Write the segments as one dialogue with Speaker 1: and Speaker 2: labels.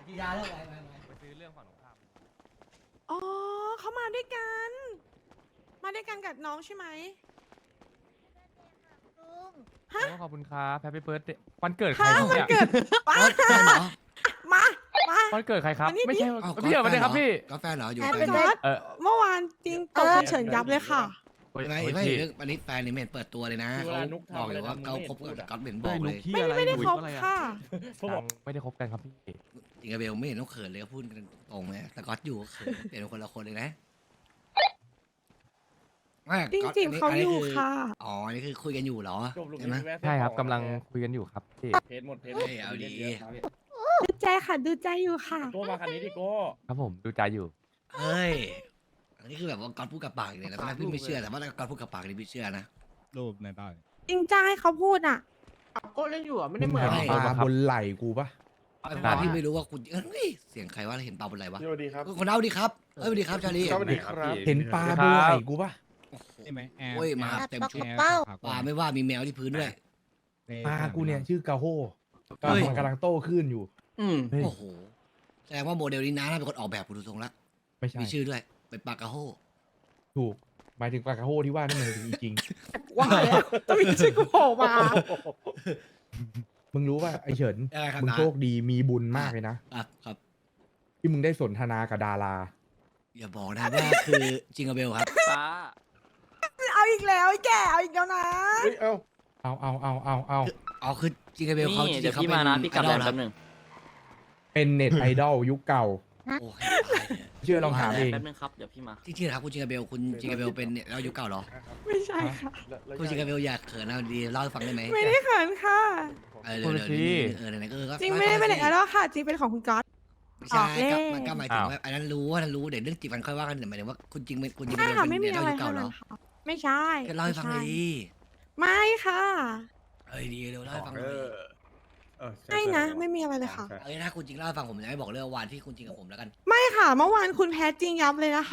Speaker 1: กินยาแล้วไป
Speaker 2: ไปซื้อเรื่องฝั่งตรงข้าม
Speaker 3: อ๋อเขามาด้วยกัน มาด้วยกันกับน้องใช่ไหม ฮะ
Speaker 2: โอ้ขอบคุณครับแฮปปี้เบิร์ดเดย์วันเกิดใคร
Speaker 3: ฮะ
Speaker 2: ครับ
Speaker 3: มัน
Speaker 2: เนี่ย
Speaker 3: เกิดป้า
Speaker 4: แฟนเหรอ
Speaker 3: มา
Speaker 2: วันเกิดใครครับ
Speaker 3: วันนี้
Speaker 2: ไม่ใช่
Speaker 4: อ้าว
Speaker 2: พี่เหรอวันเดย์ครับพี่
Speaker 4: ก็แฟนเหรออยู่
Speaker 3: แอ
Speaker 4: แฟ
Speaker 3: ป
Speaker 4: น
Speaker 3: เปิด เมื่อวานจริงตกเฉินยับเลยค่ะ
Speaker 2: โอ้ย
Speaker 4: ไม่
Speaker 2: โอ้ย
Speaker 4: ไม่
Speaker 2: พี่
Speaker 4: เรื่องวันนี้แฟนนี่ไม่เห็นเปิดตัวเลยนะ
Speaker 5: คือเว
Speaker 4: เขา
Speaker 5: ลานุ๊กทำ
Speaker 4: บอกเลยว่า
Speaker 5: อะไร
Speaker 4: เขา
Speaker 5: ทำ
Speaker 4: คบ
Speaker 5: ไม่เห็นพูด
Speaker 4: กับ
Speaker 5: อะ
Speaker 4: ก๊อตเห็นบอกเลย
Speaker 3: ไม่ได้คบค่ะ
Speaker 5: เขาบอก
Speaker 2: ไม่ได้คบกันครับพี่
Speaker 4: จริงกับเบลไม่เห็นต้องเขินเลยก็พูดกันตรงเลยแต่ก๊อตอยู่ก็เขินเปลี่ยนเป็นคนละคนเลยนะไม่
Speaker 3: จ
Speaker 4: ก๊อต
Speaker 3: ริงๆเขาอยู่
Speaker 4: คื
Speaker 3: ค่ะ
Speaker 4: อ๋ออันนี่คือคุยกันอยู่เหรอ
Speaker 5: จบลูก
Speaker 4: ใช่ไหม
Speaker 5: แวะ
Speaker 2: ใช่ครับ
Speaker 5: ต่
Speaker 2: กำลังคุยกันอยู่ครับพี่
Speaker 5: เพจหมดเพจ
Speaker 4: เฮ้ยเอาดี
Speaker 3: ดูใจค่ะ ดูใจอยู่ค่ะ
Speaker 5: โก้มาคันนี้ดิโก้
Speaker 2: ครับผมดูใจอยู่
Speaker 4: เฮ้ยอันนี้คือแบบว่าก๊อตพูดกับปากเลยนะตอนแรกพี่ไม่เชื่อแต่ว่าก๊อตพูดกับปากนี่พี่เชื่อนะ
Speaker 6: รูปในบ้าน
Speaker 3: จริงใจให้เขาพูดอ่ะ
Speaker 7: ก็เล่นอยู่อ่ะไม่ได้เหมือน
Speaker 2: ไม่
Speaker 6: ปลาบนไหล่กูปะ
Speaker 4: เพราะพี่ไม่รู้ว่าคุณเอ้ยเสียงใครว่าเห็นเปล่าบนอะไรวะ
Speaker 5: สวัสดีครับ
Speaker 4: คนเอาดีครับเอ้ยสวัสดีครับชาลี
Speaker 5: สวัสดีครับ
Speaker 6: เห็นปลาบนไหล่กูปะ
Speaker 4: โอ้โห
Speaker 6: ใช่ไหมแอร์
Speaker 4: โอ้ยมาเต็มชุด
Speaker 6: เป้า
Speaker 4: ปลาไม่ว่ามีแมวที่พื้นด้วย
Speaker 6: ปลากูเนี่ยชื่อกาโฮ
Speaker 4: เฮ้ย
Speaker 6: มันกำลังโตขึ้นอยู่
Speaker 7: อืม
Speaker 2: เฮ้ย
Speaker 4: โอ้โหแสดงว่าโมเดลนี้น้าน่าเป็นคนออกแบบกูดูทรงละ
Speaker 6: ไม่ใช่
Speaker 4: มีชื่อด้วยเป็นปลากระโฮ
Speaker 6: ถูกหมายถึงปลากาโฮที่ว่านั่นมันจริง
Speaker 3: ว่าแล้วต้องมีชื่อกูโผล่มา
Speaker 6: ๆมึงรู้ว่าไอเฉิน
Speaker 4: อะไรครับ
Speaker 6: มึง
Speaker 4: น้า
Speaker 6: โชคดีมีบุญมากเลยนะครับ
Speaker 4: ครับ
Speaker 6: ที่มึงได้สนทนากับดารา
Speaker 4: อย่าบอกนะว่าคือจิงเกอร์เบลครับ
Speaker 7: ฟ้า
Speaker 3: เอาอีกแล้วไอ้แกเอาอีกแล้วนะ
Speaker 5: เฮ้ยเอ้า
Speaker 6: เอา
Speaker 4: อ๋อคือจิงเกอร์เบลเขา
Speaker 7: นี่
Speaker 4: จริง
Speaker 7: เดี๋ยว
Speaker 4: ๆเขา
Speaker 7: พี่
Speaker 4: เป็น
Speaker 7: มานะพี่กลับ
Speaker 4: ไอ
Speaker 7: แบ
Speaker 4: ดอบ ลค
Speaker 7: แป๊
Speaker 4: รับบ
Speaker 7: นึง
Speaker 6: เป็นเน็ตไอดอลยุคเก่า
Speaker 4: โอ้ย
Speaker 6: เชื่อลองถามเอง
Speaker 7: แป๊บนึงครับเดี๋ยวพี่มา
Speaker 4: จริงๆนะครับคุณจิงเกอร์เบลคุณจิงเกอร์เบลเป็นเนี่ยเราอยู่เก่าเหรอ
Speaker 3: ไม่ใช่ค่ะ
Speaker 4: คุณจิงเกอร์เบลอยากเขินเอาดีเล่าให้ฟังได้ไหม
Speaker 3: ไม่ได้เขินค่ะ
Speaker 4: เออเดี๋ยวเดี๋ยว
Speaker 2: พูดสิ
Speaker 4: ไหนๆก็เออก็
Speaker 3: จริงไม่ได้เป็นไอดอลค่ะ จริงเป็นของคุณก๊อต
Speaker 4: ไม่ใช่
Speaker 3: ออกเลข
Speaker 4: มันก็หมายถึงว่าอันนั้นรู้ว่านั้นรู้เดี๋ยวเรื่องจีบกันค่อยว่ากันแต่หมายถึงว่าคุณจริงคุณจิงเกอ
Speaker 3: ใช่
Speaker 4: ร์เบล
Speaker 3: ค่ะ
Speaker 4: เป็น
Speaker 3: ไม่มี
Speaker 4: เนี่ย
Speaker 3: อะไร
Speaker 4: เราอยู่เก่าเหรอ
Speaker 3: ค่ะไม่ใช่
Speaker 4: ก็เล่าให้ฟังเลยดิ
Speaker 3: ไม่ค่ะ
Speaker 4: เอ้ยดีเร็วเล่าให้ฟังเล
Speaker 5: เอย อ
Speaker 3: ไม่นะ ไม่มีอะไรเลยค่ะ
Speaker 4: เอ้ยถ้าคุณจริงเล่าให้ฟังผมจะไม่บอกเรื่องวันที่คุณจริงกับผมแล้วกัน
Speaker 3: ไม่ค่ะ เมื่อวานคุณแพ้จริงยับเลยนะคะ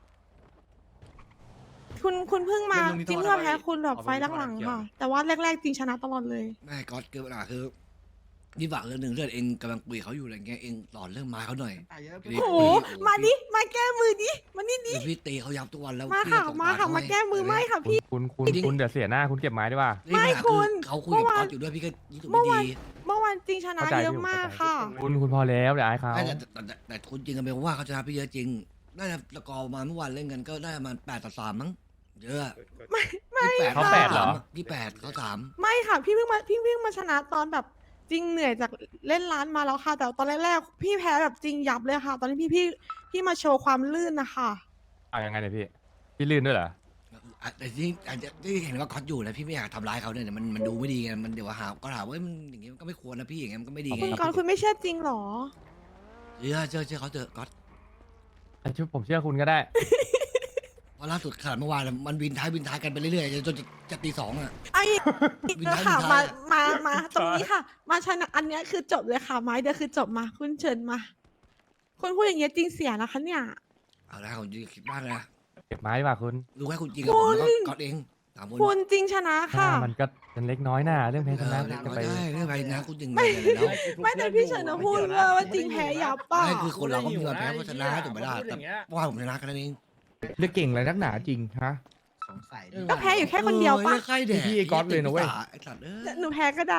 Speaker 3: คุณเพิ่งมาจริงเพิ่งมาแพ้คุณแบบไฟล์หลังๆค่ะ แต่ว่าแรกๆจริงชนะตลอดเลย
Speaker 4: ไม่ก๊อตคือปัญหาคือนี่ฝากเรื่องหนึ่งเรื่องเองกำลังคุยกับเขาอยู่อะไรเงี้ยเองสอนเรื่องไม้เขาหน่อย
Speaker 3: โอ้โห มาดิ มาแก้มือดิ มานี่ดิ
Speaker 4: เดี๋ยวพี่ตีเขายับทุกวันแล้ว
Speaker 3: มา
Speaker 4: พี่
Speaker 3: ค่ะ
Speaker 4: ก็ส่ง
Speaker 3: มาค่ะ
Speaker 4: ป
Speaker 3: มาแก้มือไม่ค่ะพี่
Speaker 2: คุณเดี๋ยวเสียหน้าคุณเก็บไม้ดีกว่า
Speaker 4: นี่ปัญหา
Speaker 3: คุณ
Speaker 4: เขาคุยกับ
Speaker 3: เมื่อวาน
Speaker 4: ก๊อตอยู่ด้วยพี่ก็รู้สึก
Speaker 3: เมื่
Speaker 4: ไม่
Speaker 3: อวาน
Speaker 4: ดี
Speaker 3: เมื่อวานจริงชนะ
Speaker 2: เข้าใจ
Speaker 3: เยอะ
Speaker 2: พี่
Speaker 3: มาก
Speaker 2: เข้าใจ
Speaker 3: ค่ะ
Speaker 2: คุณพอแล้วเดี๋ยวอายเขา
Speaker 4: ไม่แต่คุณจริงกันเป็นว่าเขาชนะพี่เยอะจริงน่าจะตะกอมาเมื่อวานเล่นกันก็ได้มา8-3มั้งเยอะ
Speaker 3: ไม่
Speaker 2: เขาแปดเหรอ
Speaker 4: ที่8เขา3
Speaker 3: ไม่ค่ะ พี่เพิ่งมาชนะตอนแบบจริงเหนื่อยจากเล่นร้านมาแล้วค่ะ แต่ตอนแรกๆพี่แพ้แบบจริงยับเลยค่ะ ตอนนี้พี่มาโชว์ความลื่นนะคะ
Speaker 2: เอายังไงเนี่ยพี่ลื่นด้วยเหรอ
Speaker 4: แต่ที่อาจจะที่เห็นว่าก๊อตอยู่นะพี่ไม่อยากทำร้ายเขาเนี่ยมันดูไม่ดีไงมันเดี๋ยวหาก็ถามว่ามันอย่างงี้มันก็ไม่ควรนะพี่อย่างงี้มันก็ไม่ดีไง
Speaker 3: คุณก่อนคุณไม่เชื่อจริงเหรอ
Speaker 4: เชื่อเขาเถอะก๊อต
Speaker 2: ผมเชื่อคุณก็ได้
Speaker 4: เพราะล่าสุดขนาดเมื่อวานมันวินท้ายกันไปเรื่อยๆจนจะตี 2อ่ะ
Speaker 3: ไอ้
Speaker 4: วิน
Speaker 3: เดี๋ยว
Speaker 4: ท้าย
Speaker 3: ค่ะ
Speaker 4: วินท้าย
Speaker 3: มาตรงนี้ค่ะ มาชนะอันเนี้ยคือจบเลยค่ะไม้เดียวคือจบมา คุณเชิญมา คุณพูดอย่างเงี้ยจริงเสียนะคะเนี่ย
Speaker 4: เอาละผมจะคิดบ้างนะ
Speaker 2: เก็บไม้ดีกว่าคุณ
Speaker 4: รู้แค่คุณจริงกับผมแล้วก็ก๊อตเองสามคน
Speaker 3: คุณจริงชนะค่ะ
Speaker 2: มันก็เป็นเล็กน้อยหน้าเรื่องแพ้ชนะ
Speaker 4: เออ
Speaker 2: จะไป
Speaker 4: ได้เรื่องอะไรนะคุณจริงเลยแล้ว
Speaker 3: ไม่แต่พี่เฉินนะพูดว่าจริงแพ้ยับป่ะ
Speaker 4: ไม่คือคนเราก็มีวันแพ้เพราะชนะถูกไหมล่ะแต่ว่าผมชนะกันนั่นเอง
Speaker 6: เรื่องเก่งอะไรนักหนาจริงฮะ
Speaker 1: สงสัย
Speaker 3: ก็แพ้อยู่แค่คนเดียวป่ะ
Speaker 4: ใครแดก
Speaker 6: พี่ไอ้ก๊อตเลยนะเว้ย
Speaker 4: ไอ้สัตว์เอ้ย
Speaker 3: หนูแพ้ก็ได้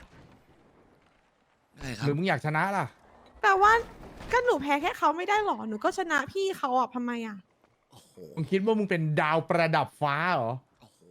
Speaker 4: ได้ครั
Speaker 6: ห
Speaker 4: บ
Speaker 6: รือมึงอยากชนะล่ะ
Speaker 3: แต่ว่าก็หนูแพ้แค่เขาไม่ได้หรอ หนูก็ชนะพี่เขาอ่ะทำไมอ่ะ
Speaker 4: โอ้โห
Speaker 6: มึงคิดว่ามึงเป็นดาวประดับฟ้าเหรอ
Speaker 4: โอ้โห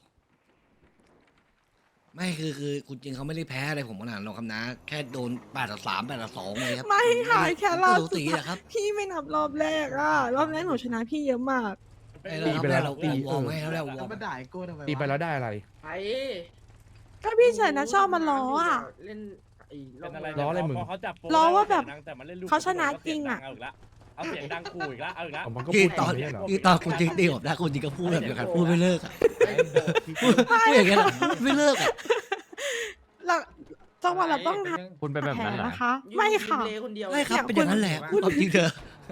Speaker 4: ไม่คือคุณจริงเขาไม่ได้แพ้อะไรผมขนาดนั้นหรอกครับนะ แค่โดน8-3 8-2เลยครับ
Speaker 3: ไม่ค่ะแค่รอบ
Speaker 4: ก็
Speaker 3: สุด
Speaker 4: ตี
Speaker 3: ท้าย
Speaker 4: อะครับ
Speaker 3: พี่ไม่นับรอบแรกอ่ะ รอบแรกหนูชนะพี่เยอะมาก
Speaker 6: ตีไปแล้ว
Speaker 4: เรา
Speaker 6: ตี
Speaker 4: วอร์มให้แล้ววอ
Speaker 1: แล้
Speaker 4: ร์
Speaker 1: ว
Speaker 4: ม
Speaker 1: มาด่าไอ้โก้ทำไมวะ
Speaker 6: ตีไปแล้วได้อะไร
Speaker 7: ไป
Speaker 3: ก็พี่เฉินนะชอบมาล้ออ่ะ
Speaker 7: เล่นไอ้
Speaker 5: เป็นอะไร
Speaker 6: ล้ออะไรมึง
Speaker 5: พเขาจับโป
Speaker 3: ล้อว่าแบบ
Speaker 5: แต่มันเล่นลูก
Speaker 3: เขาชนะจริงอะ
Speaker 5: เอาเสียงดังขู่อีกแล้วเอาอีกแล้ว
Speaker 6: มันก็
Speaker 4: ที่
Speaker 6: พูด
Speaker 4: ตอน
Speaker 6: ไม่ใช่เหรอ
Speaker 4: ที่ตอนคุณจริงตีผมนะคุณจริงก็พูดแบบเดียวกันพูดไม่เลิกอะพูดอย่างเงี้ยไม่เลิกอะ
Speaker 3: เราจังหวะเราต้องท
Speaker 2: คุณเป็น
Speaker 3: ำ
Speaker 2: แบบ
Speaker 3: แผล
Speaker 2: นั้นเหรอ
Speaker 3: นะคะ ไม่ค่ะ
Speaker 7: ยืนเลยคนเดียว
Speaker 4: ไม่ครับเป็นอย่างนั้นแหละพูดความจริงเถอะ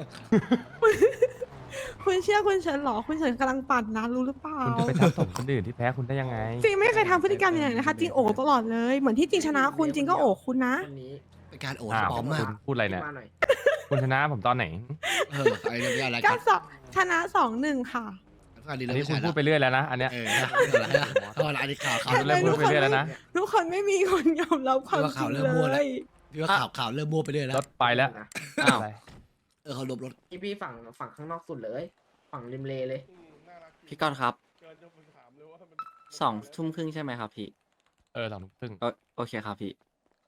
Speaker 3: คุณเชื่อคุณเฉินเหรอ คุณเฉินกำลังปั่นนะรู้หรือเปล่า
Speaker 2: คุณจะไปทับถมคนอื่นที่แพ้คุณได้ยังไง
Speaker 3: จริงไม่เคยทำพฤติกรรมอย่างนั้นนะคะ จริงโอ๋ตลอดเลย เหมือนที่จริงชนะคุณจริงก็โอ๋คุณนะ
Speaker 7: คนนี้
Speaker 4: ไปเป็นการโอด
Speaker 2: อ้าว
Speaker 4: ปลอมมาก
Speaker 2: คุณพูดอะไร
Speaker 7: พี่
Speaker 2: เนี่ย
Speaker 7: มาหน่อย
Speaker 2: คุณชนะผมตอนไหน
Speaker 4: ไอ้เรื่องอะไร
Speaker 3: ก็
Speaker 4: กัน
Speaker 3: ชนะ2-1ค่ะ
Speaker 4: อันนี้
Speaker 2: อัน
Speaker 4: เรา
Speaker 2: นี้
Speaker 4: ไม่
Speaker 2: คุณ
Speaker 4: ใช่
Speaker 2: พูดไปเรื่อยแล้วนะ อันเนี้ย
Speaker 4: อะไรนะอันนี้ข่าว
Speaker 2: เริ่มพูดไปเรื่อยแล้วนะ
Speaker 3: ทุกคนไม่มีคนยอมรับความจริงเลย
Speaker 4: พี่ว่าข่าวเริ่มมั่วไปเรื่อยแล้
Speaker 2: ร
Speaker 4: ว
Speaker 2: ถไปแล้ว
Speaker 7: นะ
Speaker 2: อ้าว
Speaker 4: เขาลบรถ
Speaker 7: พี่ฝั่งข้างนอกสุดเลย ฝั่งริมเลเลย
Speaker 1: พี่ก้อนครับ20:30ใช่ไหมครับพี่
Speaker 2: 2:30
Speaker 1: โอเคครับพี่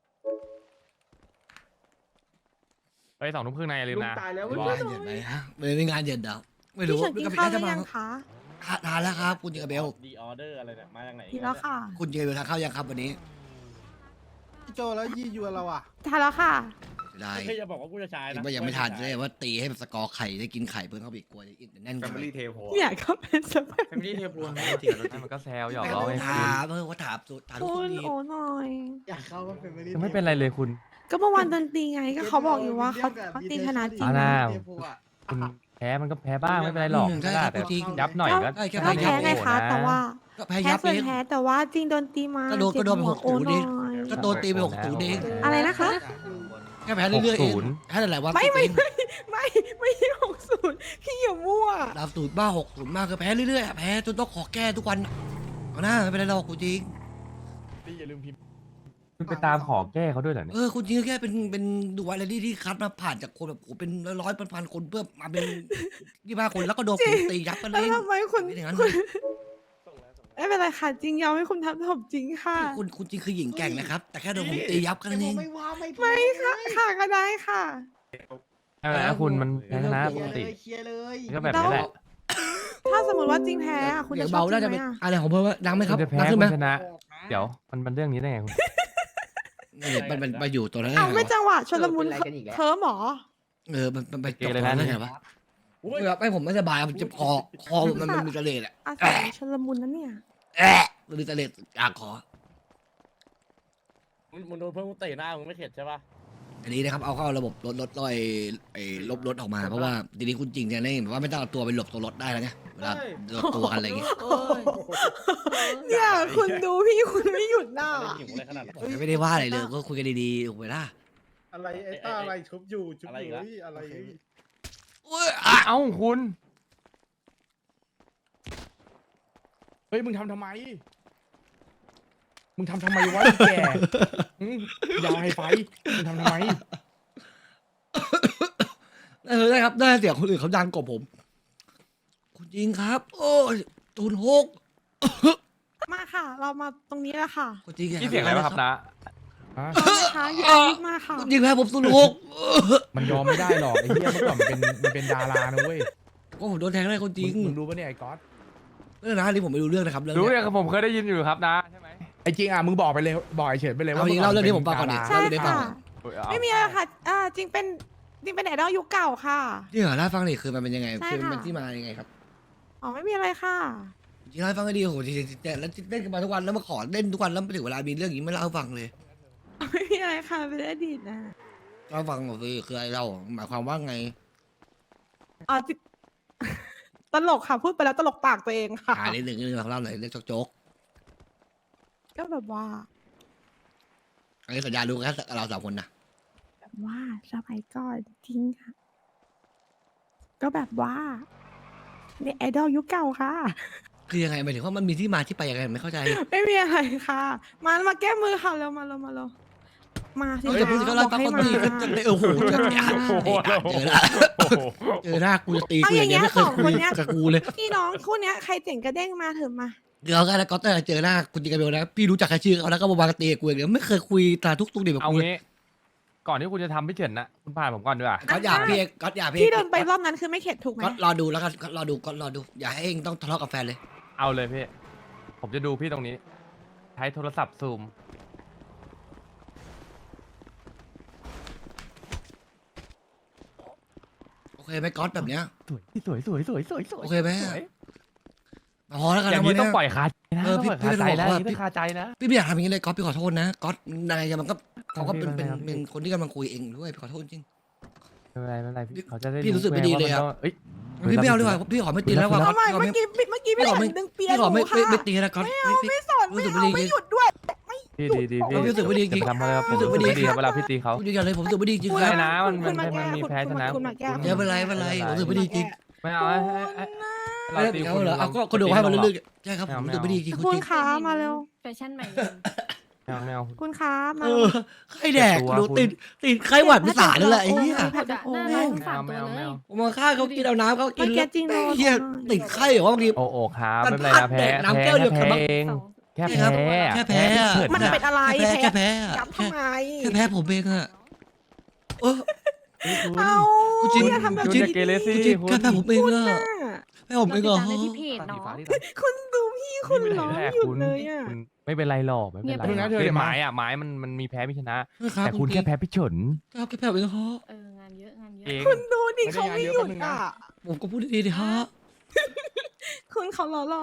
Speaker 2: เฮ้ย2:30นายอย่าลืม
Speaker 7: ลุง
Speaker 2: นะ
Speaker 7: ตายแล้ว
Speaker 4: ไม่
Speaker 7: เว้ย
Speaker 4: งานเย็นไหมฮะไม่งานเย็นเดาไม่รู้
Speaker 3: พี่เฉินกินข้าวหรือยังคะ
Speaker 4: ทานแล้วครับคุณจิงเบล
Speaker 5: ดีออเดอร์อะไรเนี่ยมาจากไหน
Speaker 3: กินแล้วค่ะ
Speaker 4: คุณจิงเบลทานข้าวยังครับวันนี้
Speaker 8: โจแล้วยี่ยวนเราอ่ะ
Speaker 3: ทานแล้วค่ะ
Speaker 4: ได้
Speaker 5: ไม่จะบอกว่ากูจะชายนะ
Speaker 4: ว่ายังไม่ทานเลยว่าตีให้สกอร์ไข่ได้กินไข่เพิ่มเข้าไปอีกกลัวจะแน่น
Speaker 5: แฟ
Speaker 4: กัน
Speaker 5: มิลี่เทโพ
Speaker 3: เนี่ยก็เป็นสเปค
Speaker 7: แฟมิลี่เทปวน
Speaker 2: มันก็แซวหยอก
Speaker 4: ไม่
Speaker 2: ล้อไง
Speaker 4: ถามว่าถามทุก
Speaker 3: คุ
Speaker 4: คน
Speaker 3: ณ
Speaker 4: ดี
Speaker 3: โอ้หน่อย
Speaker 8: อยากเข้าก็เป็นไม่ได้
Speaker 2: ยังไม่เป็นไรเลยคุณ
Speaker 3: ก็เมื่อวานดนตรีไงก็เขาบอกอยู่ว่าเขาตีชนะจริง
Speaker 2: อ่า
Speaker 3: นะ
Speaker 2: คุณแพ้มันก็แพ้บ้างไม่เป็นไรหรอก
Speaker 4: ใช่
Speaker 2: ไม่
Speaker 4: ค
Speaker 2: ได้
Speaker 4: รับ
Speaker 2: แต่
Speaker 4: จริง
Speaker 2: ยับหน่อยก็
Speaker 4: ใช่แค่
Speaker 3: ก็
Speaker 4: แพ้
Speaker 3: แพ้ไงคะแต่ว่า
Speaker 4: ก็แพ้
Speaker 3: แพ้
Speaker 4: ยับ
Speaker 3: ส่วน
Speaker 4: เอง
Speaker 3: แพ้แต่ว่าจริงโดนตีมา
Speaker 4: ก็โดนไป
Speaker 3: เจ็บ
Speaker 4: หกศูนย์
Speaker 3: โอ้
Speaker 4: ดิ
Speaker 3: หน่อย
Speaker 4: ก็โดนตีไป6-0เอง
Speaker 3: อะไรนะคะ
Speaker 4: แค่แพ้เรื่อยๆเองแค่หลายวัน
Speaker 3: ไม่ใช่60พี่อย่ามั่ว
Speaker 4: ดาวสูตรบ้า60มากคือแพ้เรื่อยๆแพ้จนต้องขอแก้ทุกวันเอาหน้าไม่เป็นไรหรอกคุณจริง
Speaker 6: พี่อย่าลืมพิมพ์
Speaker 2: คุณไปตามขอแก้เขาด้วยเหรอเนี่ย
Speaker 4: คุณจริงแค่เป็นดูอะไรที่คัดมาผ่านจากคนแบบโอ้เป็นร้อยพันคนเพื่อมาเป็น25คนแล้วก็โดนผมตียับกัน
Speaker 3: แล้
Speaker 4: เอ
Speaker 3: ว
Speaker 4: ง
Speaker 3: ทำไมคุณ
Speaker 4: ไม่อย่างนั้น
Speaker 3: คุณไม่เป็นไรค่ะจริงยอมให้คุณทำผมจริงค่ะ
Speaker 4: คุณจริงคือหญิงแกร่งนะครับ แต่แค่โดนผมตียับกันเอง
Speaker 8: ไม่ว่าไม่
Speaker 3: ไม่ค่ะค่ะก็ได้ค่ะ
Speaker 2: ไม่เป็นไรนะคุณมันแพ้ชนะปกติ
Speaker 8: เคลียร์เลย
Speaker 2: ก็แบบนี้แหละ
Speaker 3: ถ้าสมมติว่าจริงแพ้อะคุณ
Speaker 4: เดี๋
Speaker 3: จะ
Speaker 4: ยว
Speaker 3: ชอ
Speaker 4: เบา
Speaker 3: บจ
Speaker 4: น่า
Speaker 3: ริ
Speaker 4: จะ
Speaker 3: งไหม
Speaker 4: เป็น
Speaker 3: อะ
Speaker 4: อะไรของผมว่าดังไหมค
Speaker 2: คุ
Speaker 4: รับ
Speaker 2: ณจะแพ้
Speaker 4: ดัง
Speaker 2: คุ
Speaker 4: ขึ้นไหม
Speaker 2: ณชนะ เดี๋ยวมันเรื่องนี้ได้ไงคุณ
Speaker 4: มันมาอยู่ตัวนั้น
Speaker 3: เอาไม่จังหวะชนละมุน
Speaker 7: เป็นไรกันอีกแล้ว
Speaker 3: เคิร์มหรอ
Speaker 4: มันไป
Speaker 2: เกย์เลยนะ
Speaker 4: ได้
Speaker 2: เนี่ย
Speaker 4: ไงวะแบบให้ผมไม่สบายมันจะคอมันมีทะเลแหละ
Speaker 3: อาศัยชนละมุนนะเนี่ย
Speaker 4: มันมีทะเลอ่างคอ
Speaker 5: มึงโดนเพื่อนมึงเตะหน้ามึงไม่เข็ดใช่ปะ
Speaker 4: อันนี้นะครับเอาเข้าระบบรถลอยลบรถออกมาเพราะว่าทีนี้คุณจริงจะได้แบบว่าไม่ต้องเอาตัวไปหลบตัวรถได้แล้วไงเวลาหลบตัวกันอะไรอย่างเงี้ย
Speaker 3: เนี่ยคุณดูพี่คุณไม่หยุดหน้า
Speaker 5: หิวอะไรขนาดนั้น
Speaker 4: ผมไม่ได้ว่าอะไรเลยก็คุยกันดีๆถูกไหมล่ะ
Speaker 8: อะไรไอ้ต้าอะไรชุบอยู่ชุบอยู่อะไร
Speaker 2: เอ้าคุณ
Speaker 6: เฮ้ยมึงทำทำไม มึงทำทำไมวะไอ้แกยาไฮไฟมึงทำทำไม
Speaker 4: ได้ครับได้เสียงคนอื่นเขาดังกว่าผม คุณจริงครับ โอ้ยตูนหก
Speaker 3: มาค่ะ เรามาตรงนี้แล้วค่ะ
Speaker 4: คุณจริง
Speaker 2: นี่เสียงอะไรวะครับนะ
Speaker 6: ฮะ
Speaker 3: เอาไหมคะหยิบมาค่ะ
Speaker 4: คุณจริงแพ้ผมตูนหก
Speaker 6: มันยอมไม่ได้หรอกไอ้เหี้ยเมื่อก่อนมันเป็นดารานะเว้ย
Speaker 4: ก็ผมโดนแทงได้คุณจริง
Speaker 6: มึงรู้ปะเนี่ยไอ้ก๊อต
Speaker 4: เรื่องนะนี่ผมไม่รู้เรื่องนะครับเรื่อง
Speaker 2: รู้
Speaker 4: นี้
Speaker 2: เนี่ยผมเคยได้ยินอยู่ครับนะใช่ไหม
Speaker 6: ไอ้จริงอ่ะมึงบอกไปเลยบอกไอ้เฉินไปเลยว่า
Speaker 4: เอาจริงเล่าเรื่องนี้ผมฟังก่อนดิ
Speaker 3: ใช่
Speaker 4: เล่าเรื่องนี้ฟัง
Speaker 3: ค่ะ
Speaker 4: ก่อน
Speaker 3: ไม่มีอะไรค่ะจริงเป็นไอดอลยุคเก่าค่ะ
Speaker 4: ที่เหรอเล่าให้ฟังดิคือมันเป็นยังไง
Speaker 3: ใช่
Speaker 4: คือ
Speaker 3: ค่ะ
Speaker 4: มันที่มายังไงครับ
Speaker 3: อ๋อไม่มีอะไรค่ะ
Speaker 4: จริงเล่าให้ฟังก็ดีโอ้โหจริงๆแต่แล้วเล่นกันมาทุกวันแล้วมาขอเล่นทุกวันแล้วถึงเวลามีเรื่องอย่างนี้ไม่เล่าให้ฟังเลย
Speaker 3: ไม่มีอะไรค่ะเป็นอดีตนะ
Speaker 4: เล่าให้ฟังหน่อยสิคืออะไรเล่าหมายความว่าไง
Speaker 3: อ๋อจิตลกค่ะพูดไปแล้วตลกปากตัวเองค่ะ
Speaker 4: นิดหนึ่งเล่าหน่อยเรื่องโจ๊ก
Speaker 3: ก็แบบว่า
Speaker 4: ๆอันนี้สัญญารู้แค่เราสามคนนะ
Speaker 3: แบบว่าสมัยก่อนจริงค่ะ ก็แบบว่าเนี่ยไอดอลยุคเก่าค่ะ
Speaker 4: คือยังไงหมายถึงว่ามันมีที่มาที่ไปยังไงไม่เข้าใจ
Speaker 3: ไม่มีอะไรค่ะ มาแก้มือค่ะเร็วมามาสิ
Speaker 4: เฮ้ยพูดก็เล่าฟังคนดีก็จะโอ้โหเจอหน้ากูจะตีกูอย่างเงี้ยไม่เคยคุยกับกูเลย
Speaker 3: พี่น้องคู่เนี้ยใครเจ๋งกระเด้งมาเถอะมา
Speaker 4: เดี๋ยวกันแล้วก็แต่เจอหน้าคุณจริงกันเบลนะพี่รู้จักใครชื่อเขาแล้วก็มาวางตีกูอย่างเดียวไม่เคยคุยตาทุกดิแบบ
Speaker 2: เอา
Speaker 4: กู
Speaker 2: งี้ ก่อนที่คุณจะทำพี่เฉินนะคุณผ่านผมก่อนดีกว่า
Speaker 4: ก็อย่าพี่ก็อย่าพี่
Speaker 3: พี่โดนไปรอบนั้นคือไม่เข็ดถูกไหม
Speaker 4: ก็รอดูแล้วกันก็รอดูอย่าให้เองต้องทะเลาะกับแฟนเลย
Speaker 2: เอาเลยพี่ ผมจะดูพี่ตรงนี้ ใช้โทรศัพท์ซูม
Speaker 4: โอเคไหมก๊อตแบบเนี้ย
Speaker 2: สวย
Speaker 4: โอเคไหม พอแล้วกัน
Speaker 2: อย่าง
Speaker 4: นะ
Speaker 2: นี้
Speaker 4: วัน
Speaker 2: ต้อง
Speaker 4: เนี้ย
Speaker 2: ปล่อยคาใจนะ
Speaker 4: เออ
Speaker 2: ต้องปล่อยคาใจ
Speaker 4: พี่
Speaker 2: นะ
Speaker 4: ไม่
Speaker 2: อย่าง
Speaker 4: ได้บอกว่า
Speaker 2: นี้ต้องคาใจนะ
Speaker 4: พี่ไม่อยากทำอย่างนี้เลยก๊อตพี่ขอโทษนะก๊อตนายมันก็เขาก็เป็น
Speaker 2: ไม่เป็นไรครับ
Speaker 4: เป็นคนที่กำลังคุยเองด้วยพี่ขอโทษจริง
Speaker 2: ไม่เป็นไรพี่เขาจะได้
Speaker 4: พี่รู้สึกไม่ดีเลยอะ
Speaker 2: ว่ามันก็เอ้ย
Speaker 4: พี่ไม่เอาดีกว่าพี่ขอไม่ตีแล้วว่า
Speaker 3: ทำไม
Speaker 4: พี่ขอ
Speaker 3: เมื่อกี้พี่
Speaker 4: พี่ขอ
Speaker 3: เห็
Speaker 4: ไม่
Speaker 3: นดึงเปีย
Speaker 4: พี่ขอ
Speaker 3: ห
Speaker 4: ไม่
Speaker 3: นูค่ะ
Speaker 4: ไม่ตีนะก๊อต
Speaker 3: ไม่สอน
Speaker 4: รู้
Speaker 3: ไม่
Speaker 4: สึก
Speaker 3: เอา
Speaker 4: ไม่ดี
Speaker 3: ไม่หยุดด้วย
Speaker 2: พี่ดีพี่
Speaker 4: รู้สึกไม่ดีจริง
Speaker 2: ทำอะไรครับผม
Speaker 4: รู้สึกไม่
Speaker 2: รู้สึก
Speaker 4: ดี
Speaker 2: ไม่ดีครับเวลาพี่ตีเขา
Speaker 4: พูดอย่างเลยผมรู้สึกไม่ดีจริง
Speaker 3: คุณ
Speaker 4: ค
Speaker 2: ได้
Speaker 4: รับ
Speaker 2: นะมัน
Speaker 3: คุณมาแก้
Speaker 2: มันมีแพ้ชนะ
Speaker 3: คุณมาแก้
Speaker 4: อย่าเป็นไรไม่เป็นไรผมรู้สึกไม่ดีจริง
Speaker 2: ไม่เอาเรา
Speaker 4: ไม่
Speaker 2: ตี
Speaker 4: เอา
Speaker 2: คุณ
Speaker 4: เหรอเอาก็ดูให้มันเรื่อยๆใช่ครับผมรู้สึกไม่ดีจริง
Speaker 3: คุณ
Speaker 4: จริง
Speaker 3: ค้ามาเร็ว
Speaker 9: แฟชั่นใหม่
Speaker 2: ไม่เอา
Speaker 3: คุณค้ามา
Speaker 4: เอ
Speaker 3: เร็ว
Speaker 4: อไข้แดกดูติดไข้หวัดพิสานั่นแหละไอ้เหี้ย
Speaker 9: ๆผัดอะน่ารักทั้งสามตัวเลย
Speaker 4: ผมมาฆ่าเขากินเอาน้ำเขากิ
Speaker 3: มาน แก้จริงโดน
Speaker 4: เหี้ยติดไข้เหรอวะบางที
Speaker 2: โอ้ครับ
Speaker 4: มัน
Speaker 2: ไม่เป็นไรนะ
Speaker 4: พัด
Speaker 2: แพ้
Speaker 4: แดกน้ำแก้วเดียว
Speaker 2: แพ้
Speaker 4: กับ
Speaker 2: เอง
Speaker 9: สอง
Speaker 2: แค่
Speaker 4: ใช่ครับ
Speaker 2: แพ้
Speaker 4: แค่แพ้
Speaker 2: เฉิน
Speaker 3: มัน
Speaker 2: น่ะ
Speaker 3: เป็นอะไร
Speaker 4: แค่แพ้
Speaker 3: ยับทำไม
Speaker 4: แค่แพ้ผมเองอะเออ
Speaker 3: เอา
Speaker 4: กูจริง
Speaker 3: อย่าทำแบบ
Speaker 2: คุณ
Speaker 3: นี้
Speaker 2: อย่าเกเรสิ
Speaker 4: จริง
Speaker 2: คุณ
Speaker 4: แค่แพ้ผมเองอะ
Speaker 3: น่ะ
Speaker 4: แพ้ผมเองเหรอ
Speaker 9: เราติดตามได้ที่เพจเนาะ
Speaker 3: คุณดูพี่คุณร้องหยุดเลยอ่ะ
Speaker 2: คุณไม่เป็นไรหรอกไม่เป็นไร
Speaker 9: เงียบไปนะ
Speaker 2: เป็นไม้อะไม้มันมีแพ้มีชนะ
Speaker 4: นะครับ
Speaker 2: แต่คุณแค่แพ้พี่เฉิน
Speaker 4: ครับแค่แพ้ผมเองเหรอ
Speaker 9: งานเยอะงานเย
Speaker 2: เอ
Speaker 9: อะ
Speaker 2: ง
Speaker 3: คุณดูดิเขาไม่หยุดอ่ะ
Speaker 4: ผมก็พูดดีๆดิฮะ
Speaker 3: คุณเขาหล่อ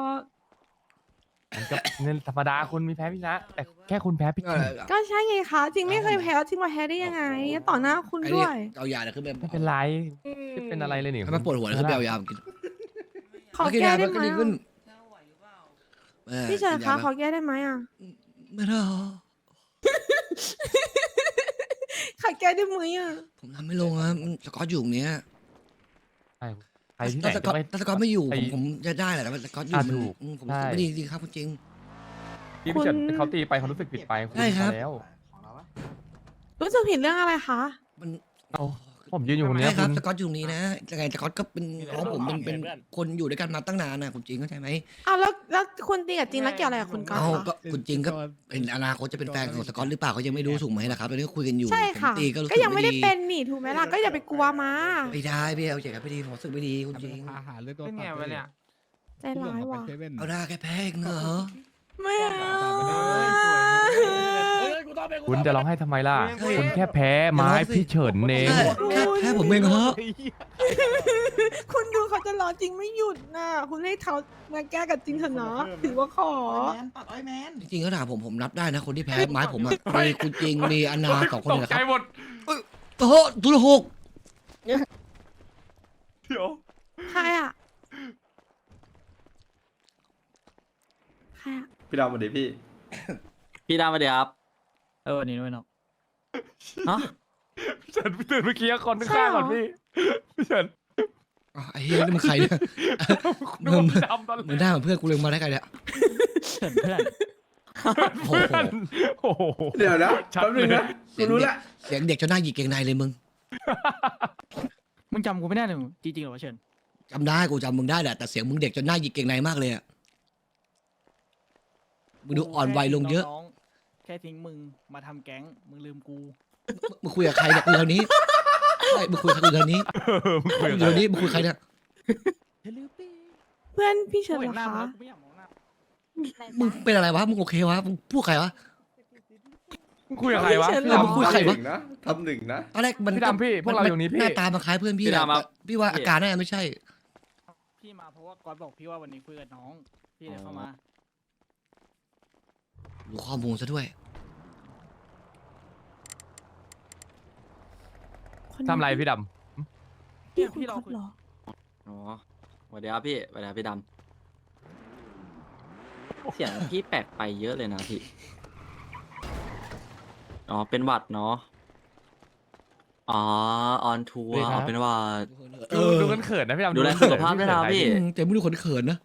Speaker 2: มันก็เงินธรรมดาคุณมีแพ้มีชนะ แต่แค่คุณแพ้พี่เฉิน
Speaker 3: ๆก็ใช่ไงคะจริงไม่เคยแพ้จริงมาแพ้ได้ยังไง ต่อหน้าคุณ
Speaker 4: ไอ้
Speaker 3: ด้
Speaker 4: เนี่
Speaker 3: วย ย
Speaker 4: เอายาเนี่ยขึ้นไป
Speaker 2: ไม่เป็นไรไม่เป็นอะไรเลยนี่
Speaker 4: ให้มันปวดหัวแล้วขึ้นไปเอายามากิน
Speaker 3: ขอแก้ได้
Speaker 4: มัน
Speaker 3: ไหม
Speaker 4: ก็ดีขึ้น
Speaker 3: อ่ะพี่เฉินคะขอแก้ได้ไหมอ่ะ
Speaker 4: ไม่ได้หรอ
Speaker 3: ขอแก้ได้ไหมอ่ะ
Speaker 4: ผมทำไม่ลงอะมันสกอตอยู่ตรงเนี้ย
Speaker 2: ใครที่ไหน
Speaker 4: ถ้าสกอต
Speaker 2: จะไป
Speaker 4: ถ้าสกอตไม่อยู่
Speaker 2: ไอ้
Speaker 4: ผมจะได้แหละแต่ว่าสกอตอยู่
Speaker 2: อ่ะ
Speaker 4: มัน
Speaker 2: ถูก
Speaker 4: ผม
Speaker 2: ใช่
Speaker 4: ไม่ดีจริงครับจริง
Speaker 2: พี่เฉินเขาตีไปเขารู้สึกผิดไปณ
Speaker 4: ใช่ครับ
Speaker 2: พอแล้ว
Speaker 3: รู้สึกผิดเรื่องอะไรคะ
Speaker 4: มัน
Speaker 2: เอาผมยืนอยู่ตรงเนี้
Speaker 4: ใช่
Speaker 2: ย
Speaker 4: ค
Speaker 2: คุ
Speaker 4: รับ
Speaker 2: ณ
Speaker 4: สกอตอยู่ตรงนี้นะยังไงสกอตก็เป็นน้องผมเป็น
Speaker 5: เพื่อน
Speaker 4: คนอยู่ด้วยกันมาตั้งนานนะคุณจริงเข้าใจไหม
Speaker 3: อ้าวแล้วคุณตีกับจริงแล้วเกี่ยวอะไรกับคุณก๊อต
Speaker 4: เอา
Speaker 3: คะ
Speaker 4: ก็คุณจริงก็เป็นอนาคตจะเป็นแฟนของสกอตหรือเปล่าเขายังไม่รู้ถูกไหมล่ะครับตอนนี้ก็คุยกันอยู่
Speaker 3: ใช่ค่ะ
Speaker 4: ผมตีก็รู้สึ
Speaker 3: ก็ยังไม่ได้เป็นนี่ถูกไหมล่ะก็อย่าไปกลัวมา
Speaker 4: ไม่ได้พี่เอาใจกันไม่ดีผมรู้สึกไม่ดีคุณจริง
Speaker 6: อาหารเลยตัว
Speaker 1: เป็นไงวะเนี่ย
Speaker 3: ใจร้ายว่ะ
Speaker 4: เอาได้แค่แพ้เองเหรอ
Speaker 3: ไม่เอา
Speaker 5: เฮ้ยกูต้องเป็น
Speaker 2: คุณจะร้องไห้ทำไมล่ะ
Speaker 4: เฮ้ย
Speaker 2: คุณแค่แพ้ไม้พี่เฉินเอง
Speaker 4: ใช่แค่แพ้ผมเองเหรอ
Speaker 3: คุณดูเขาจะรอจริงไม่หยุดนะคุณให้เขามาแก้กับจริงเถอะเนาะถือว่าขอ
Speaker 4: จริงๆก็ถามผมนับได้นะคนที่แพ้ไม้ผมอะมีคุณจริงมีอนาสองคน
Speaker 2: ต
Speaker 4: นี่
Speaker 2: ก
Speaker 4: แหละ
Speaker 2: ใจ
Speaker 4: ครับ
Speaker 2: หมด
Speaker 4: โอ้โหทุลหก
Speaker 2: เดี๋ยว
Speaker 3: ใครอ่ะใครอ่ะ
Speaker 10: พี่ดำสวัสดีพี่
Speaker 1: พี่ดำมาเดี๋ยวครับ
Speaker 7: วันนี้ด้วยเนาะ
Speaker 1: ฮะ
Speaker 2: พี่เฉินพี่ตื่นเมื่อกี้คนข้างๆก่อนพี่พี่เฉิน
Speaker 4: อ้าวไอ้เหี้ยนี่มันใครเนี่ย
Speaker 2: นึกว่าพี่ดำตอน
Speaker 4: เหมือนหน้าเหมือนเพื่อนกูเลยมาได้ไงเนี่ย
Speaker 7: เพื่อน
Speaker 4: โอ้โห
Speaker 2: โอ้โห
Speaker 10: เดี๋ยวนะ
Speaker 2: ชัด
Speaker 10: แป๊บนึง
Speaker 2: เลย
Speaker 10: นะกูรู้ละ
Speaker 4: เสียงเด็กจนหน้าหยิกเกงในเลยมึง
Speaker 7: มึงจำกูไม่ได้เลยจริงๆเหรอวะเชิญ
Speaker 4: จำได้กูจำมึงได้แหละแต่เสียงมึงเด็กจนหน้าหยิกเกงในมากเลยอะมึงดูอ่อนวัยลงเยอะ
Speaker 7: น้ๆแค่ทิ้งมึงมาทำแก๊งมึงลืมกู
Speaker 4: มึงคุยกับใครเนี่ยคุยทางนี้ใช่มึงคุยกับใครคุยทางนี้
Speaker 2: มึงคุย
Speaker 4: มึ
Speaker 2: กับ ใคร
Speaker 4: งอยู่ทางนี้มึงคุยกับใครเนี่ย
Speaker 3: เพื่อนพี่เฉิน
Speaker 7: กู
Speaker 3: เหร
Speaker 7: เห็
Speaker 3: อน
Speaker 7: หน้ามึง
Speaker 3: คะ
Speaker 7: แล้วกูไม่อยากมองหน้า
Speaker 4: มึงเป็นอะไรวะมึงโอเควะมึงพูดใครวะ
Speaker 2: มึงคุยกับใครวะ
Speaker 3: พี่เฉิน
Speaker 2: พี่
Speaker 3: เหรอ
Speaker 2: ดำ
Speaker 4: คุยกับใครวะ
Speaker 10: นะทำหนึ่งนะ
Speaker 4: ตอนแรกมัน
Speaker 2: พี่ดำพี่พวกเราอยู่นี่พี่
Speaker 4: หน้าตามันคล้ายเพื่อนพี่
Speaker 1: พี่
Speaker 4: แหละ
Speaker 1: ดำครับ
Speaker 4: พี่ว่าอาการน่าจะไม่ใช่
Speaker 7: พี่มาเพราะว่าก๊อตบอกพี่ว่าวันนี้คุยกับน้องพี่เลยเข้ามา
Speaker 4: รู้ข้อมูลซะด้วย
Speaker 2: ทำไรพี่ด
Speaker 3: พี่คุณก๊อตเหรอ
Speaker 1: อ๋อสวัสดีครับพี่สวัสดีครับพี่ดำเสียงพี่แปลกไปเยอะเลยนะพี่ อ๋อ เป็นหวัดเนาะ อ๋อ ออนทัวร์อ๋อเป็นหวัด
Speaker 2: ำ
Speaker 4: เอ
Speaker 2: ดู
Speaker 4: อ
Speaker 2: กันเขินนะพี่ดำ
Speaker 1: ดูแล
Speaker 2: เขิน
Speaker 1: สุขภาพด้วยนะพี่
Speaker 4: แต่ไม่ดูคนเขินนะ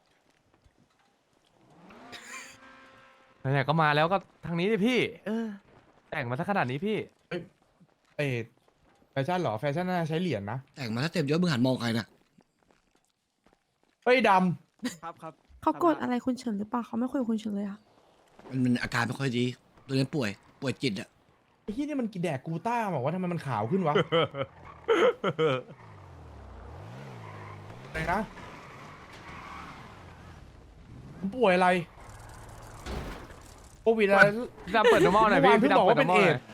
Speaker 2: เนี่ยก็มาแล้วก็ทางนี้ดิพี่ แต่งมาสักขนาดนี้พี่
Speaker 6: เอ้แฟชั่นเหรอแฟชั่นน่าใช้เหรียญนะ
Speaker 4: แต่งมาถ้าเต็มยศมึงหันมองใครนะ
Speaker 6: เฮ้ยด
Speaker 7: ครับครับ
Speaker 3: เขากดอะไรคุณเฉินหรือเปล่าเขาไม่คุยกับคุณเฉินเลยอะ
Speaker 4: มันอาการไม่ค่อยดีตัวนี้ป่วยจิตอะ
Speaker 6: ำไอ้ที่นี่มันกินแดกกูต้าบอกว่าทำไมมันขาวขึ้นวะ อะไรนะมันป่วยอะไรโควิดอะไร
Speaker 2: พี่ดำเปิด normal หน่อยพี่
Speaker 6: เมื่อวานเพิ่
Speaker 2: พี่
Speaker 6: ง
Speaker 2: ดำ
Speaker 6: บอก
Speaker 2: เปิด
Speaker 6: ว่าเป็น
Speaker 2: normal หน่อย
Speaker 6: AIDS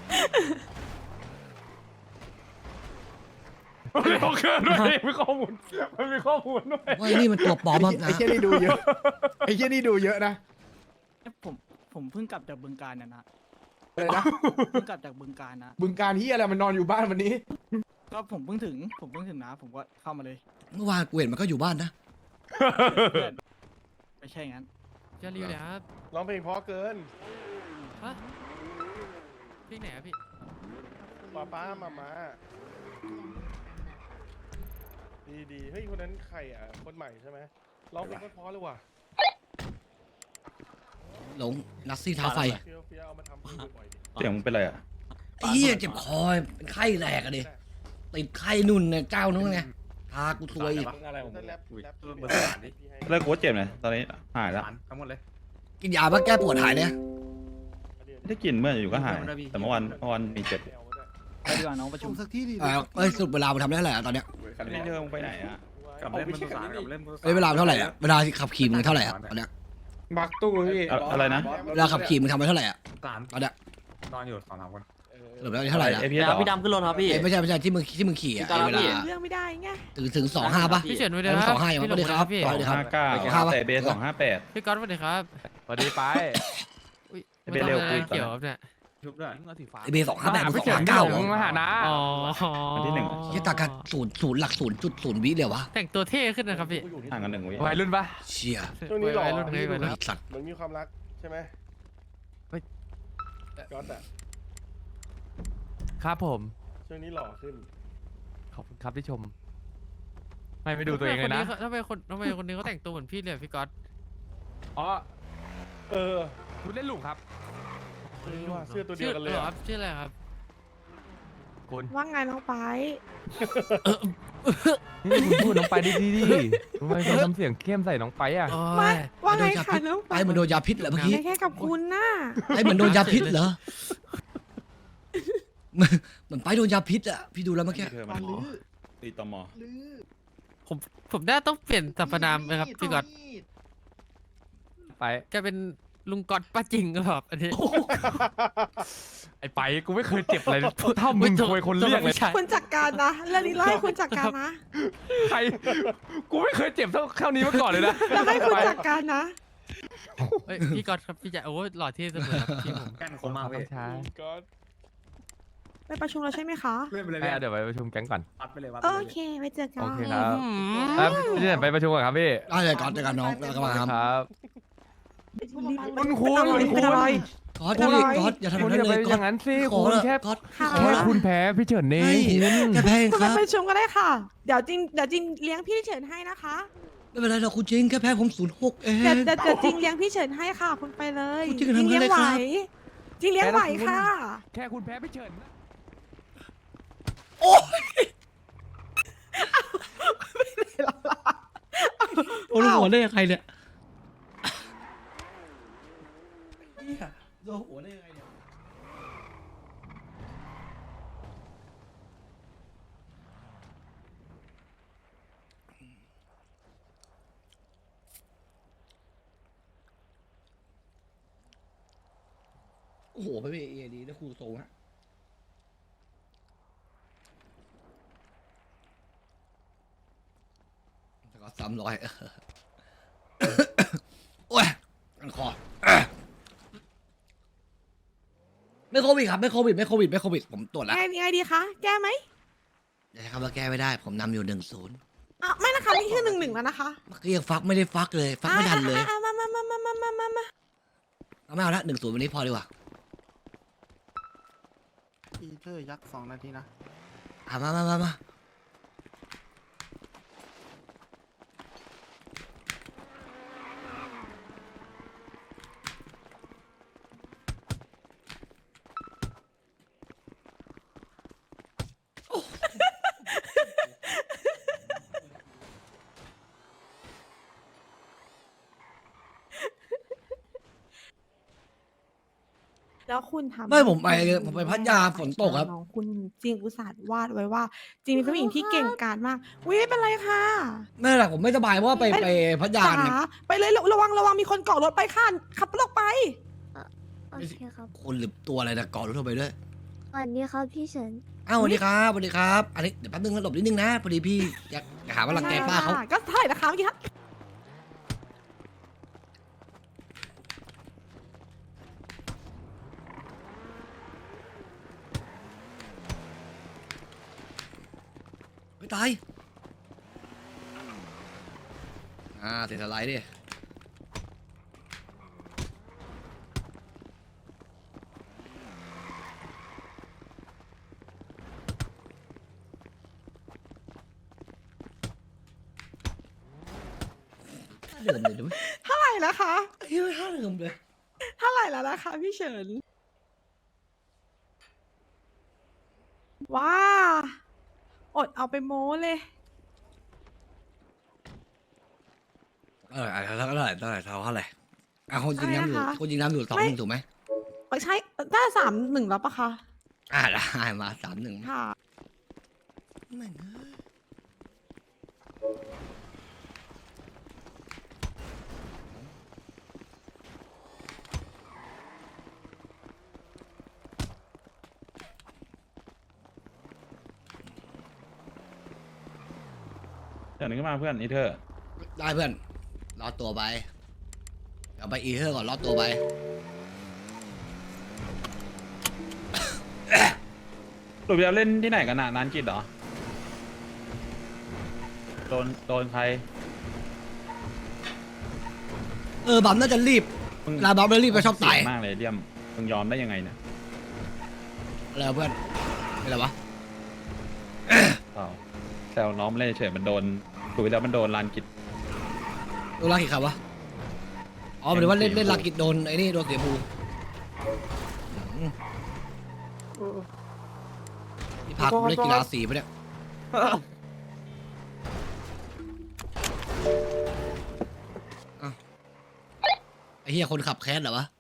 Speaker 2: มันมีข้อมูลด้วยมีข้อมูลมันมีข้อมูลด้วย
Speaker 4: ว่าไอ้นี่มันตัวปลอมมาก
Speaker 6: ไอ้
Speaker 4: นะ
Speaker 6: เชี่ยนี่ดูเยอะ ไอ้เชี่ยนี่ดูเยอะนะ
Speaker 7: ผมเพิ่งกลับจากบึงการนะ
Speaker 6: อะไรนะ
Speaker 7: เพิ่งกลับจากบึงการนะ
Speaker 6: บึงการที่อะไรมันนอนอยู่บ้านวันนี้
Speaker 7: ก็ผมเพิ่งถึงนะ ผมก็เข้ามาเลย
Speaker 4: เมื่อวานกูเห็นมันก็อยู่บ้านนะ
Speaker 7: เพื่อนไม่ใช่งั้น
Speaker 10: จะรีวเลยครับ
Speaker 8: ร้องเพลงเพราะเกิน
Speaker 10: ฮะพี่ไหนครับพี่
Speaker 8: ป้ามาดีเฮ้ยคนนั้นใครอ่ะคนใหม่ใช่ไหมร้องเพลงเพราะเลยว่ะ
Speaker 4: หลงนัสซี่ท้าไฟ
Speaker 8: เฟี้ยวเอามาทำเพลงบ่อยๆดิ
Speaker 6: เสียงมึงเป็นไรอ่ะ
Speaker 4: ไอ้เหี้ยเจ็บคอเป็นไข้แหลกอะดิติดไข้นุ่นเนี่ยเจ้านู้นไงพากูซวยอีก
Speaker 5: อะไรของมึ
Speaker 8: ถ้าง แรป
Speaker 6: เลิกโค้ชเจ็บเลยตอนนี้หายแล้ว
Speaker 4: กินยาเพื่อแก้ปวดหายเนี่ย
Speaker 6: ไม่ได้กินเมื่ออยู่ก็หาย แต่เมื่อวันมีเจ็บ
Speaker 7: ไปดีกว่าน้องประชุม
Speaker 8: สักที่ดิ
Speaker 4: เอ้ยสุดเวลามันทำได้เท่าไหร่อะตอนเนี้ย
Speaker 6: ไม่เจอมึงไปไหนอ่ะ
Speaker 5: กับเล่นมันสารกับเล่น
Speaker 4: เอ้ยเวลามันเท่าไหร่อะเวลาขับขี่มึงเท่าไหร่อะตอนเนี้ย
Speaker 8: บักตู้พี่
Speaker 6: อะไรนะ
Speaker 4: เวลาขับขี่มึงทำไปเท่าไหร่อะ
Speaker 5: สาร
Speaker 4: ตอนเนี้ย
Speaker 5: นอนอยู่2-3 คน
Speaker 4: สรุปแล้วเท่าไหร่นะ
Speaker 6: เอพี
Speaker 1: เดี๋
Speaker 6: เอส
Speaker 1: ยวพี่ดำขึ้นรถครับพี่
Speaker 4: เอ้ยไม่ใช่ที่มึงขี่อะ
Speaker 1: พี่
Speaker 4: ไอ้เวลา
Speaker 1: พี่
Speaker 3: เรื่องไม่ได้ไง
Speaker 4: ถึง2.5ป่ะ
Speaker 10: พี่เฉินสวัสดี
Speaker 4: เอา
Speaker 10: ครับ
Speaker 4: 2.5อย่าง
Speaker 10: พี่
Speaker 4: สวัสดีครับ
Speaker 10: พี่
Speaker 4: สวัสดีครับ
Speaker 6: 259แต่เบส258
Speaker 10: พี่ก๊อตสวัสดีครับ
Speaker 2: สวัสดีไป
Speaker 10: อุ้ย
Speaker 6: ไม่เร็ว
Speaker 10: ไม่
Speaker 6: คุยก่อน
Speaker 10: เกี่ยวครับเนี่ย
Speaker 5: ชุบด้วย
Speaker 4: ไอเบย์258มึง
Speaker 2: พี่เฉิน
Speaker 4: 259
Speaker 2: มึงมาหานะ
Speaker 10: อ๋อ
Speaker 6: วันที่หนึ่ง
Speaker 4: ยี่ตากันศูนย์หลัก0.0วิเลยวะ
Speaker 10: แต่งตัวเท่ขึ้นนะครับพี่
Speaker 6: ห่างกัน1 วิ
Speaker 2: วัยรุ่นปะ
Speaker 4: เชี่ย
Speaker 8: ช่วงนี้หล่อ
Speaker 10: วัยรุ่นวัยรุ่น
Speaker 4: ไอ้สัตว์
Speaker 8: เหมือนมีความรักใช่ไหม
Speaker 2: เฮ้ย
Speaker 8: ก๊อตอ่ะ
Speaker 2: ครับผม
Speaker 8: ช่วงนี้หล่อขึ้น
Speaker 2: ขอบคุณครับที่ชม ไม่ดูตัวเองเลยนะ
Speaker 10: ทำไมคนนี้เขาแต่งตัวเหมือนพี่เลยอะพี่ก๊อต
Speaker 2: อ๋อ
Speaker 8: เออ
Speaker 2: คุณเล่นลูกครับ
Speaker 8: ว่าเสื้อตัวเดียวกันเลย
Speaker 10: หรอ
Speaker 8: อะ
Speaker 10: ครับชื่ออะไรครับ
Speaker 2: คุณ
Speaker 3: ว่าไงน้องไป
Speaker 2: นี่คุณพูดน้องไปดีทำไมคุณทำเสียงเข้มใส่น้องไปอ่ะ
Speaker 10: โอ้
Speaker 3: ไม่
Speaker 10: ย
Speaker 3: ว่าไงคะน้อง
Speaker 4: ไอ้เหมือนโดนยาพิษเหรอเมื่อกี้
Speaker 3: แค่กับคุณน่ะ
Speaker 4: ไอ้เหมือนโดนยาพิษเหรอเหมือนไปโดนยาพิษอะพี่ดูแล้วเมื่อกี้
Speaker 6: เธอ
Speaker 8: ปา
Speaker 6: มัน
Speaker 8: ลื้อ
Speaker 6: ตีตม
Speaker 8: ลื้อ
Speaker 10: ผมน่าต้องเปลี่ยนสรรพนามไหมครับพี่ก๊อต
Speaker 2: ไป
Speaker 10: แกเป็นลุงก๊อตป้าจริงก็แบบอันนี้
Speaker 2: ไอ้ไปกูไม่เคยเจ็บอะไรเท่ามึงเคยคนเรียกเลย
Speaker 3: คุณจัดการนะเรื่องนี้ไล่คุณจัดการนะ
Speaker 2: ใคร กูไม่เคยเจ็บเท่านี้มาก่อนเลยนะ
Speaker 3: แล้วให้คุณจัดการนะ
Speaker 10: เฮ้ยพี่ก๊อตครับพี่จะโอ้ยหล่อเท่เสมอครับพี่ผม
Speaker 5: แก้นคมมากเว้ย
Speaker 2: ช้า
Speaker 8: ก๊อต
Speaker 3: ไปประชุมแล้วใช่ไหมคะ
Speaker 5: เล่นไปเลย
Speaker 2: เดี๋ยวไปประชุมแก๊งก่อน
Speaker 5: วัดไปเลยวัด
Speaker 3: โอเคไว้เจอกัน
Speaker 2: โอเคครับ
Speaker 10: อืม
Speaker 2: พี่เฉินไปประชุมก่อนครับพี่
Speaker 4: ได้เลยก่อนเจอกันน้องแล้วก็มาครับ
Speaker 2: ครับ
Speaker 3: คุณ
Speaker 2: คุณ
Speaker 3: เป็นอะไร
Speaker 4: ก๊อตพี่ก๊อตอย่าทำ
Speaker 2: คุณ
Speaker 4: นั้น
Speaker 2: อย่า
Speaker 4: เล
Speaker 2: ไป
Speaker 4: ย
Speaker 2: อ
Speaker 4: ก๊อต
Speaker 2: ย่างนั้นสิ
Speaker 4: ขอ
Speaker 2: คุณ
Speaker 4: ละ
Speaker 2: แค่
Speaker 4: ก๊อต
Speaker 3: ค่ะ
Speaker 2: แค่คุณแพ้พี่เฉินเอ
Speaker 4: เฮ้
Speaker 2: ง
Speaker 4: ย
Speaker 2: คุณ
Speaker 4: แกแพ้เอง
Speaker 3: คุณ
Speaker 4: ค
Speaker 3: ไป
Speaker 4: รับ
Speaker 3: ประชุมก็ได้ค่ะ เดี๋ยวจริงเลี้ยงพี่เฉินให้นะคะ
Speaker 4: ไม่เป็นไรหรอกคุณจริงแค่แพ้ผม06เอง
Speaker 3: เดี๋ยวจริงเลี้ยงพี่เฉินให้ค่ะ คุณไปเลย
Speaker 4: คุณจริงทำ
Speaker 3: เลี้ย
Speaker 4: ได้
Speaker 3: งไหว
Speaker 4: ครับ
Speaker 3: จริงเลี้ยงไหวค่ะ
Speaker 2: แค่คุณแพ้พี่เฉินนะ
Speaker 4: โอ้โอ้โหหัวได้ยังไงเนี่ยโดนหัวได้ยังไงเนี่ยโอ้โหไปพี่เอดีนะครูทรงฮะแล้วก็300โอ้ยมันคอไม่โควิดครับไม่โควิดผมตรวจแล้ว
Speaker 3: ไงดีคะ แก้ไหม
Speaker 4: อย่าใช้คำว่าแก้ไม่ได้ ผมนำอยู่1-0
Speaker 3: อ่ะไม่นะคะนี่คือ1-1แล้วนะคะ
Speaker 4: เมื่อกี้ยังฟักไม่ได้ฟักเลย ฟักไม่ทันเลย
Speaker 3: อ่ะมา
Speaker 4: เอาไม่เอาละ1-0วันนี้พอดีกว่า
Speaker 8: ปีเตอร์ยักษ์2 นาทีนะ
Speaker 4: มา
Speaker 3: แล้วคุณทำ
Speaker 4: ไม่ผมไปพัทยาฝนตกครับ
Speaker 3: น้องคุณจริงอุตส่าห์วาดไว้ว่า จริงเป็นผู้หญิงที่เก่งกาจมากอุ้ยไม่เป็นไรค่ะ
Speaker 4: ไม่เป็นไรผมไม่สบายเพราะว่าไปพัทยา
Speaker 3: จ๋า
Speaker 4: เนี่ย
Speaker 3: ไปเลยระวังมีคนเกาะรถไปค่ะขับรถออกไป
Speaker 9: โอเคครับ
Speaker 4: คนหรือตัวอะไรนะก่อรถเข้าไปด้วย
Speaker 9: สวัสดีครับพี่เฉิน
Speaker 4: อ้าวสวัสดีครับ อันนี้เดี๋ยวแป๊บนึงนะหลบนิดนึงนะพอดีพี่อยากหาว่ารังแกป้าเขา
Speaker 3: ก็เท่าไหร่นะคะเมื่อกี้คะ
Speaker 4: ไม่ตายเสียสไลด์ดิเดิมเลยดูไหม
Speaker 3: เท่าไหร่แล้วคะ
Speaker 4: เฮ้ยท่าเดิมเลย
Speaker 3: เท่าไหร่แล้วนะคะพี่เฉินว้าอดเอาไปโม้เลย
Speaker 4: เท่าไหร่เท่าไหร่คนจริงน้ำอยู่
Speaker 3: อะไรนะคะ
Speaker 4: คนจริงน้ำอยู่2-1ถูกไหม
Speaker 3: ใช่ได้3-1แล้วปะคะ
Speaker 4: ได้มา3-1
Speaker 3: ค่ะ
Speaker 4: แม่งเอ้ย
Speaker 5: เดี๋ยวนึงขึ้นมาเพื่อนอีเธอร์
Speaker 4: ได้เพื่อนรอดตัวไปเอาไปอีเทอร์ก่อนรอดตัวไป
Speaker 5: หลุดไปแล้วเล่นที่ไหนกันน่ะนานกิจเหรอโดนใคร
Speaker 4: บัมน่าจะรีบ
Speaker 5: มึง
Speaker 4: ลาบัมแล้วรีบไปชอบตาย
Speaker 5: เสี่งมากเลยเลี่ยมมึงยอมได้ยังไงเนี่ย
Speaker 4: อะไรวะเพื่อนอะไรวะ
Speaker 5: เปล่าแซวน้องไม่เล่นเฉยมันโดนหลุดไปแล้วมันโดนลานกิจ
Speaker 4: โดนลากิดครับวะอ๋อหมายถึงว่าเล่นลากิดโดนไอ้นี่โดนเสียบูนี่พากูเล่นกีฬาสีปะเนี่ยอ้าวไอ้เหี้ยคนขับแคสเหรอวะ